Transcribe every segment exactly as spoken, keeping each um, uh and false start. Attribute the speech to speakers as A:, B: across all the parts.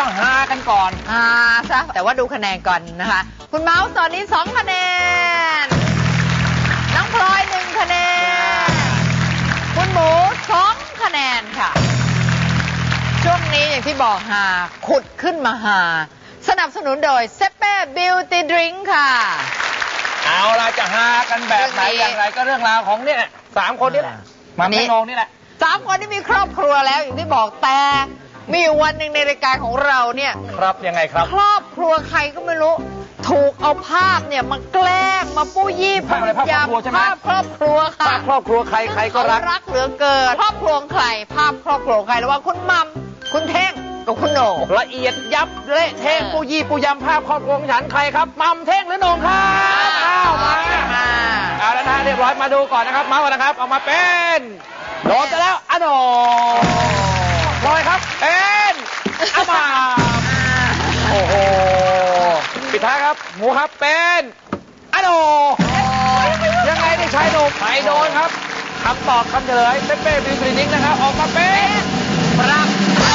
A: ต้องฮากันก่อน
B: ฮาซะแต่ว่าดูคะแนนก่อนนะคะคุณเมาส์ตอนนี้สองคะแนนน้องพลอยหนึ่งคะแนนคุณหมูสองคะแนนค่ะช่วงนี้อย่างที่บอกฮาขุดขึ้นมาฮาสนับสนุนโดยเซเป้บิวตี้ดริงค์ค่ะ
A: เอาล่ะจะฮากันแบบไหนอย่างไรก็เรื่องราวของเนี่ยสามคนนี่แหละมาไม่งงนี่แหละ
B: สามคนที่มีครอบครัวแล้วอย่างที่บอกแต่มีวันหนึ่งในรายการของเราเนี่ย
A: ครับยังไงครับ
B: ครอบครัวใครก็ไม่รู้ถูกเอาภาพเนี่ยมาแกล้งมาปู้ยี่
A: ภาพอะไรภาพครอบครัวใช่ไหม
B: ภาพครอบครัวค่ะ
A: ภาพครอบครัวใครใครก็รัก
B: รักเหลือเกินครอบครัวใครภาพครอบครัวใครระหว่างคุณมัมคุณเท่งกับคุณโหน่ง
A: ละเอียดยับเละเทะปูยี่ปูยำภาพครอบครัวของฉันใครครับมัมเท่งหรือโหน่งครับอ้าวมาเอาแล้วนะเรียบร้อยมาดูก่อนนะครับมาก่อนนะครับเอามาเป็นโดนไปแล้วอ่ะโหน่งพลอยครับเป็นอ่ะมาโอ้โหปิดท้ายครับหมูครับเป็นอะโดยังไงนี่ชายโดนไปโดนครับคำตอบคำเฉลยเซเป้บิวตี้ดริงค์นะครับออกมาเป็นครับ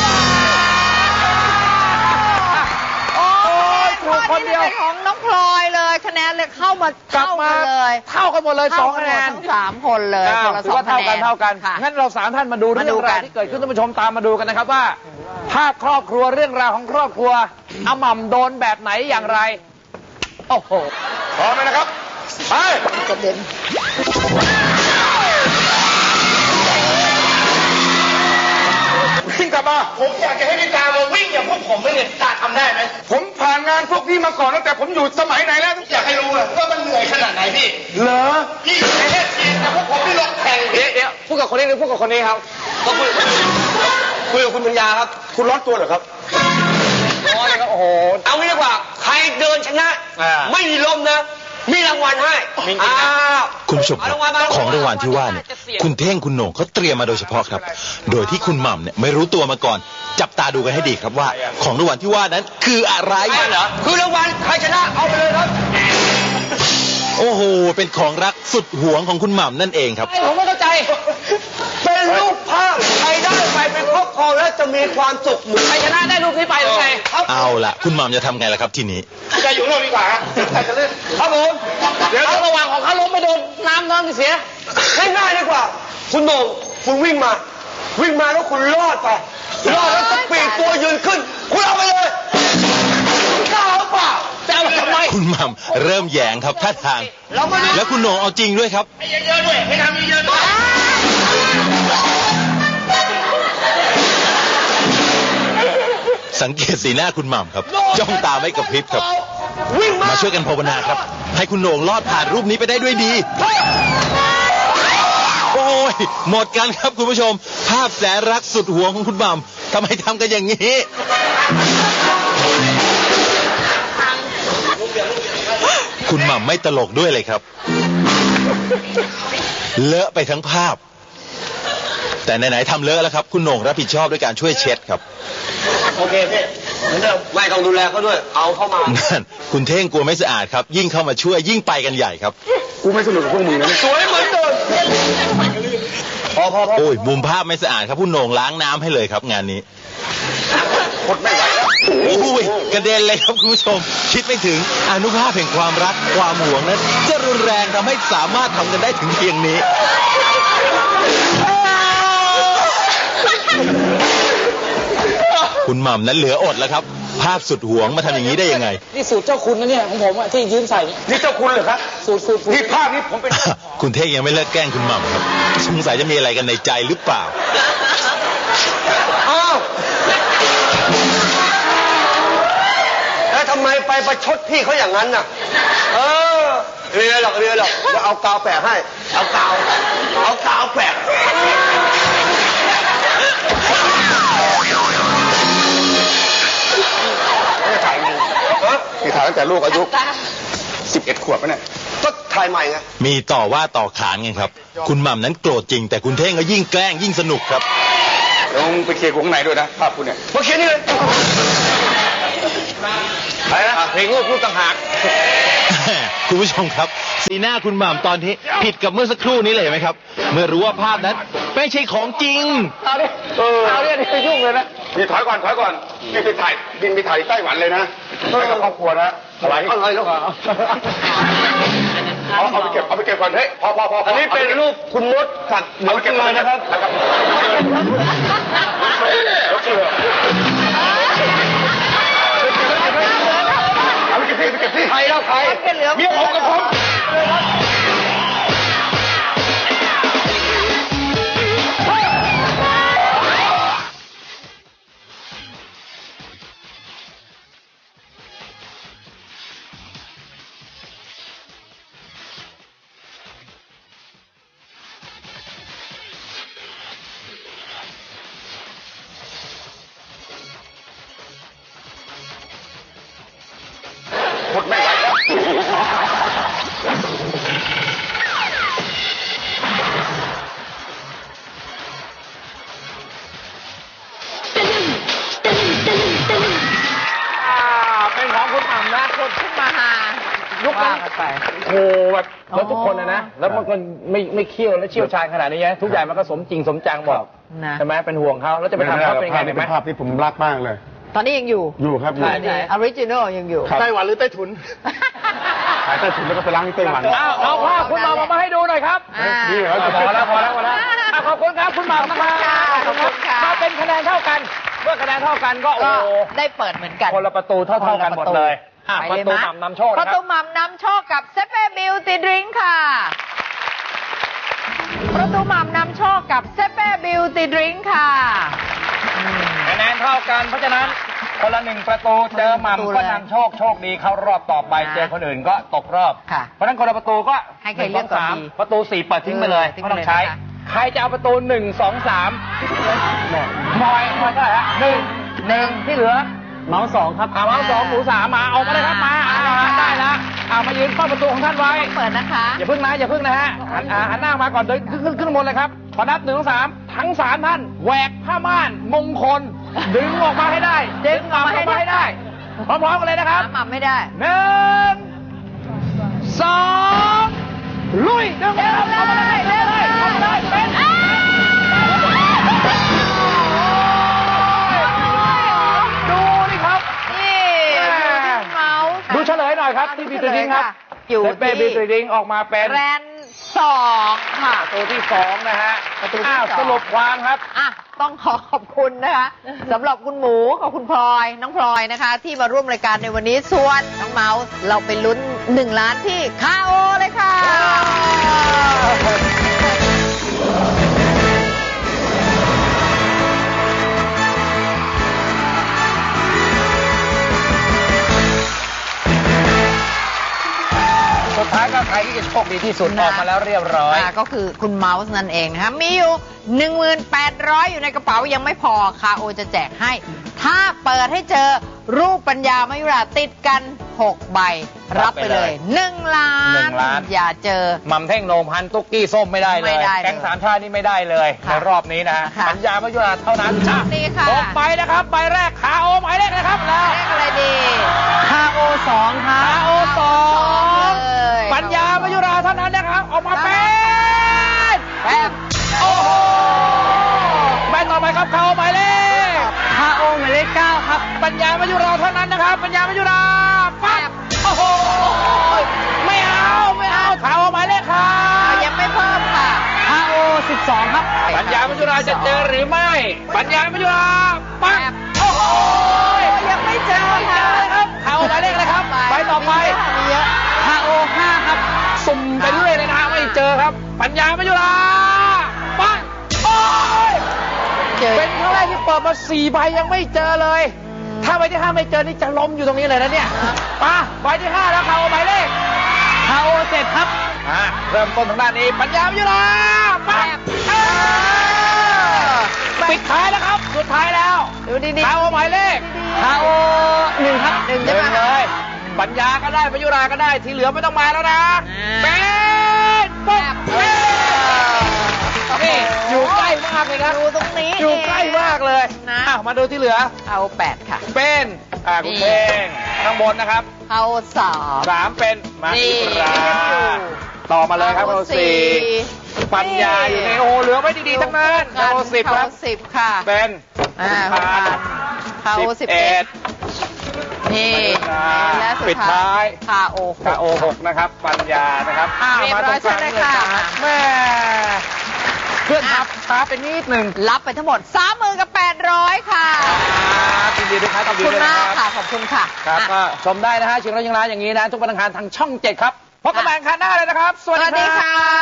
A: โอ้ยถูกคนเดียว
B: ของน้องพลอยเลยคะแนนเลยเข้ามาเท่ากันเลย
A: เท่ากันหมดเลยสองคะแนน
B: ทั้งสามคนเลยคนละสองคะแนน
A: เท่ากันเท่ากันงั้นเราสามท่านมาดูเรื่องราวที่เกิดขึ้นท่านผู้ชมตามมาดูกันนะครับว่าภาพครอบครัวเรื่องราวของครอบครัวอาหม่ำโดนแบบไหนอย่างไรโอ้โหพร้อมไหมนะครับไป
B: กระเด็น
A: วิ่งกลับมา
C: ผมอยากจะให้พี่ตามาวิ่งอย่างพวกผมไม่เนี่ยตาทำได้ไหม
A: ผมผ่านงานพวกพี่มาก่อนตั้งแต่ผมอยู่สมัยไหนแล้ว
C: อยากให้รู้ว่ามันเหนื่อยขนาดไหนพี่
A: เหรอ
C: พี่แค่ทีแต่พวกผมไม่ลงแข่ง
A: เดี๋ยวเดี๋ยวพูดกับคนนี้หรือพูดกับคนนี้ครับ
C: ก็คุยคุยกับคุณปัญญาครับ
A: คุณร้อนตัวเหรอครับร้อนเลยครับโอ้โห
C: เอางี้ดีกว่าใครเดินชนะไม่มีลมนะมีรางวัลให้อ้าว
D: คุณผู้ชมครับของรางวัลที่ว่าเนี่ยคุณเท่งคุณโหน่งเขาเตรียมมาโดยเฉพาะครับโดยที่คุณหม่ำเนี่ยไม่รู้ตัวมาก่อนจับตาดูกันให้ดีครับว่าของรางวัลที่ว่านั้นคืออะไร
C: เหรอคือรางวัลใครชนะเอาไปเลยครับ
D: โอ้โหเป็นของรักสุดหวงของคุณหม่ำนั่นเองครับ
C: ผมไม่เข้าใจเป็นรูปภาพใครได้ไปเป็นครอบครองแล้วจะมีความสุขเหมือนใครชนะได้รูปนี้ไปหรือไง
D: เอาล่ะคุณหม่ำจะทำไงล่ะครับทีนี้
C: จะอยู่โน่นดีกว่าใครจะเล่นครับผมเดี๋ยวระหว่างของเขาล้มไปโดนน้ำน้ำเสียง่ายๆดีกว่าคุณโหน่งคุณวิ่งมาวิ่งมาแล้วคุณรอดไปรอดแล้วก็ปีกตัวยืนขึ้นคุณเอาไปเลยกล้าหรือเปล่าจะเอาทำไม
D: คุณหม่ำเริ่มแยงครับท่าทางแล้วคุณโหน่งเอาจริงด้วยครับ
C: ให้เยอะๆด้วยให้ทำเยอะๆด้วย
D: สังเกตสีหน้าคุณหม่ำครับจ้องตาไม่กระพริบครับมาช่วยกันภาวนาครับให้คุณโหน่งรอดผ่านรูปนี้ไปได้ด้วยดีโอ้ยหมดกันครับคุณผู้ชมภาพแสนรักสุดหวงของคุณหม่ำทำไมทำกันอย่างนี้คุณหม่ำไม่ตลกด้วยเลยครับเลอะไปทั้งภาพแต่ไหนๆทำเลอะแล้วครับคุณโหน่งรับผิดชอบด้วยการช่วยเช็ดครับ
C: โอเคพี่เหมือนเดิมไม่ต้องดูแลเขาด้วยเอาเข้ามา
D: นั่นคุณเท่งกลัวไม่สะอาดครับยิ่งเข้ามาช่วยยิ่งไปกันใหญ่ครับ
A: กูไม่สนุกกับพวกมึงนะ
C: สวยเหมือนเดิมพอพอพอ
D: โอ้ยมุมภาพไม่สะอาดครับคุณโหน่งล้างน้ำให้เลยครับงานนี้
C: หมดไม่ไหวแล้ว
D: โอ้ยกระเด็นเลยครับคุณผู้ชมคิดไม่ถึงอนุภาพแห่งความรักความหวงนั้นจะรุนแรงทำให้สามารถทำกันได้ถึงเพียงนี้คุณหม่ำนั้นเหลืออดแล้วครับภาพสุดหวงมาทำอย่างนี้ได้ยังไง
C: นี่สูตรเจ้าคุณนะเนี่ยของผมที่ยืมใส่
A: นี่เจ้าคุณเหรอครับ
C: สูตรสูตร
A: นี่ภาพนี้ผมเป็น
D: คุณเท่งยังไม่เลิกแกล้งคุณหม่ำครับสงสัยจะมีอะไรกันในใจหรือเปล่า
C: อ้าวแล้วทำไมไปประชดพี่เขาอย่างนั้นน่ะเออเรียนหรอกเรียนหรอกจะเอากาวแปะให้เอากาวเอากาวแปะ
A: นี่ถ่ายตั้งแต่ลูกอายุสิบเอ็ดขวบแล้วเนี่ย
C: ก็ถ่ายใหม่ไง
D: มีต่อว่าต่อขานไงครับคุณหม่ำนั้นโกรธจริงแต่คุณเท่งก็ยิ่งแกล้งยิ่งสนุกครับ
A: ลงไปเคลียร์ข้างในด้วยนะภาพคุณเนี่ย
C: มาเคลียร์นี่เลย
A: อะไรนะเพลงลูกลูกต่างหาก
D: คุณผู้ชมครับ สีหน้าคุณหม่ำตอนนี้ผิดกับเมื่อสักครู่นี้เลยเห็นไหมครับ เมื่อรู้ว่าภาพนั้นไม่ใช่ของจริง
A: เอาดิเออเอาเนี่ยนี่ยุ่งเลยนะ
C: นี่ถอยก่อนถอยก่อนนี่ไปถ่ายบินไปถ่ายไต้หวันเลยนะไปกับครอบครัวนะอะไรอะไรแล้วเอาเอาไปเก็บเอาไปเก็บก่อนเฮ้ยพอพอพออันนี้เป็นรูปคุณมดสัตว์เหลือเกลือนะครับเหลือเกลือเอาไปเก็บที่ไปเก็บที่ใครแล้วใครเมียผมกับผมหมดไม่ไหวแล้ว
A: เป็นของคุณหม่ำนะคน
B: ขึ้นมาหา
A: ยุคนั้น
B: ว่ากันไป
A: โอ้โหแบบแล้วทุกคนนะนะ แล้วมันก็ไม่ไม่เคี่ยวและเชี่ยวชาญขนาดนี้นะทุกอย่างมันก็สมจริงสมจังหมด
B: นะ
A: ใช่ไหมเป็นห่วงเขาแล้วจะไปทำเขาเป็นยังไงไหม
C: ภาพที่ผมรักมากเลย
B: ตอนนี้ยังอยู่
C: อยู่ครับอยู่
B: ออริจินอลยังอยู่
C: ไต้หวันหรือไต้ถุนขายไต้ถุนแล้วก็ไปล้างที่ไต้หวัน
A: เอาเอาภาพคุณหม่ำมาให้ดูหน่อยครับ
B: อ่า
C: นี่เหรอ
A: พอแล้วพอแล้วพอแล้วอ่ะขอบคุณครับคุณหม่ำนะครับ
B: ขอบคุณค่ะ
A: ถ้าเป็นคะแนนเท่ากันเมื่อคะแนนเท่ากันก็โอ้
B: ก็
A: โห
B: ได้เปิดเหมือนกัน
A: คนละประตูเท่าเท่ากันหมดเลยอ่ะ
B: ไป
A: ประ
B: เลย
A: ตู
B: มะ
A: หม่ำนำโชค
B: ป
A: นะ
B: ระ
A: ค
B: ตู
A: รับ
B: หม่ำนำโชคกับเซเป้บิวตี้ดริงค์ค่ะ ประตูหม่ำนำโชคกับเซเป้บิวตี้ดริงค์ค่ะอืม
A: คะแนนเท่ากันเพราะฉะนั้นคนละหนึ่งประตูเจอหม่ำก็นำโชคโชคดีเข้ารอบต่อไป
B: นะ
A: เจอคนอื่นก็ตกรอบ
B: ค่ะ
A: เพราะฉะนั้นคนละประตูก็
B: ให้ใครเลือกก่อน
A: สาม
B: ดี
A: ประตูสี่เปิดทิ้งไปเลย
B: เออทิ้ง
A: ไม่
B: ไป
A: ต้องใช้
B: เลยนะคะ
A: ใครจะเอาประตูหนึ่งสองสามมอยมอยเท่าไหร่ฮะหนึ่งหนึ่งที่เหลือเมาส์สองครับเอาเมาส์สองหมูสามมาเอามาเลยครับมาเอามาได้แล้วเอามายืนเฝ้าประตูของท่านไว้
B: เปิดนะคะ
A: อย่าพึ่งนะอย่าพึ่งนะฮะหันอ่าหันหน้ามาก่อนเดินขึ้นขึ้นขึ้นบนเลยครับพอนับหนึ่งสองสามทั้งสามท่านแหวกผ้าม่านมงคล ดึงออกมาให้ได้
B: ดึงออกมาให้ได้
A: พร้อมๆกันเลยนะครับ
B: หาหม่ำไม่ได้
A: หนึ่งสองลุยดึงเลยครับเข้ามาเลยเร็วเลยเข้ามาเลยเป็นดูนี่ครับ
B: นี่ดูที่เมาส์ค่ะ
A: ดูเฉลยหน่อยครับที่บีตริงครับ
B: อยู่
A: เป้บี
B: ที่
A: ตริงออกมาเป็น
B: แรนสองค่ะ
A: ประตูที่สองนะฮะ
B: ประตูที่
A: อ้าว
B: สอง
A: สรุปความครับ
B: อ่ะต้องขอขอบคุณนะคะสำหรับคุณหมูกับคุณพลอยน้องพลอยนะคะ ที่มาร่วมรายการในวันนี้ส่วนน้องเมาส์เราไปลุ้นหนึ่งล้านที่คาโอเลยค่ะ
A: สุดท้ายก็ใครที่จะโชคดีที่สุด
B: นะ
A: ออกมาแล้วเรียบร้อย
B: อ่าก็คือคุณเมาส์นั่นเองนะคะมีอยู่ หนึ่งพันแปดร้อย อยู่ในกระเป๋ายังไม่พอคาโอจะแจกให้ ถ้าเปิดให้เจอรูปปัญญามายุราติดกันหกใบ รับไปเลยหนึ่งล้าน
A: หนึ่งล้าน
B: อย่าเจอ
A: หม่ำเท่งโหนมพันตุ๊กกี้ส้มไม่ได้เล
B: ไม่
A: ย
B: ได้เลย
A: แก๊งสามชาตินี่ไม่ได้เลย
B: ค่ะ
A: ในรอบนี้นะฮะ
B: ค่ะ
A: ปัญญามายุราเท่านั้น
B: โชคดีค่ะ
A: หกใบนะครับใบแรกขาโอหมายเลขนะครับแล้ว
B: เลขอะไรดี
A: คาโอสองครับคาโอสอง
B: เลย
A: ปัญญามายุราเท่านั้นนะครับ ออกมาเป็น
B: แป๊บ
A: โอ้โหใบต่อไปครับคาโอหมายเลข
B: คาโอหมายเลขเก้าครับ
A: ปัญญามายุราเท่านั้นนะครับ ปัญญามายุราปั๊บโอ้โหไม่เอาไม่เอาคาโอหมายเลขครับ
B: ยังไม่เพิ่มค่ะ
A: คาโอสิบสองครับ ปัญญามายุราจะเจอหรือไม่ ปัญญามายุราปั๊บโอ้โห
B: ยังไม่เจอ
A: ไม่เจ
B: ค่ะ
A: อเลยครับคาโอหมายเลขอะไรครับใบต่อไป
B: มีเยอะ
A: คาโอห้าครับสุ่มไปเรื่อยเลยนะฮะไม่เจอครับ ปัญญามายุราปั๊บโอ้ย
B: เจอ
A: เป็นครั้งแรกที่เปิดมาสี่ใบยังไม่เจอเลย ถ้าใบที่ห้าไม่เจอนี่จะล้มอยู่ตรงนี้เลยนะเนี่ยมาใบที่ห้าแล้วคาโอหมายเลขคาโอเจ็ดครับอ่าเริ่มต้นทางด้านนี้ ปัญญาวิยุราปั๊บเออปิดท้ายแล้วครับ สุดท้ายแล้ว
B: ดูดี
A: คาโอหมายเลขคาโอหนึ่งครับ
B: หนึ่งใช่ไหม
A: เลย ปัญญาก็ได้ปัญยุราก็ได้ที่เหลือไม่ต้องมาแล้วนะ
B: อ่า
A: เป็นปุ๊บ
B: เออ
A: นี่อยู่ใกล้มากเลยครับ
B: ดูตรงนี้
A: อยู่ใกล้มากเลย
B: นะ
A: อ้าวมาดูที่เหลือ
B: เอาแปดค่ะ
A: เป็นอ่าคุณ
B: นี่
A: เพลงข้างบนนะครับ
B: เข้าสาม
A: สามเป็นมา
B: นี่
A: อิราต่อมาเลยครับเข้าสี่ปัญญาอยู่ในโอเหลือไว้ดีๆทั้งนั้นเข้าสิบค
B: เข้า
A: รับ
B: สิบค่ะ
A: เป็น
B: อ่า
A: พัน
B: เข้าสิบ
A: เอ็
B: เอ็
A: ด
B: ดนี่ และสุ
A: ปิ
B: ด
A: ดท้าย
B: คาโอ
A: คาโอหกนะครับปัญญานะครับอ้าว
B: เรียบ
A: มาต
B: ร้
A: ร
B: อย
A: งกลาง
B: เชิญเลย
A: เลย
B: ค่ะ
A: ครับแม่เพื่อนทับช้าไปนิดหนึ่ง
B: รับไปทั้งหมดสามหมื่นกับแปดร้อยค่ะ
A: ครับยินดีด้วยครับ
B: ขอบ
A: ยิน
B: คุณ
A: ดีด้วย
B: มาก
A: นะค
B: ค่ะ
A: รับ
B: ขอบคุณค่ะ
A: ครับ
B: อ่ะ
A: ก็ชมได้นะฮะชิงร้อยชิงล้านอย่างนี้นะ ทุกวันอังคารทางช่องเจ็ดครับพบกันใหม่อังคารหน้าเลยนะครับ สวัส
B: สวัส
A: ดี
B: ดี
A: ครั
B: ค่ะ
A: บ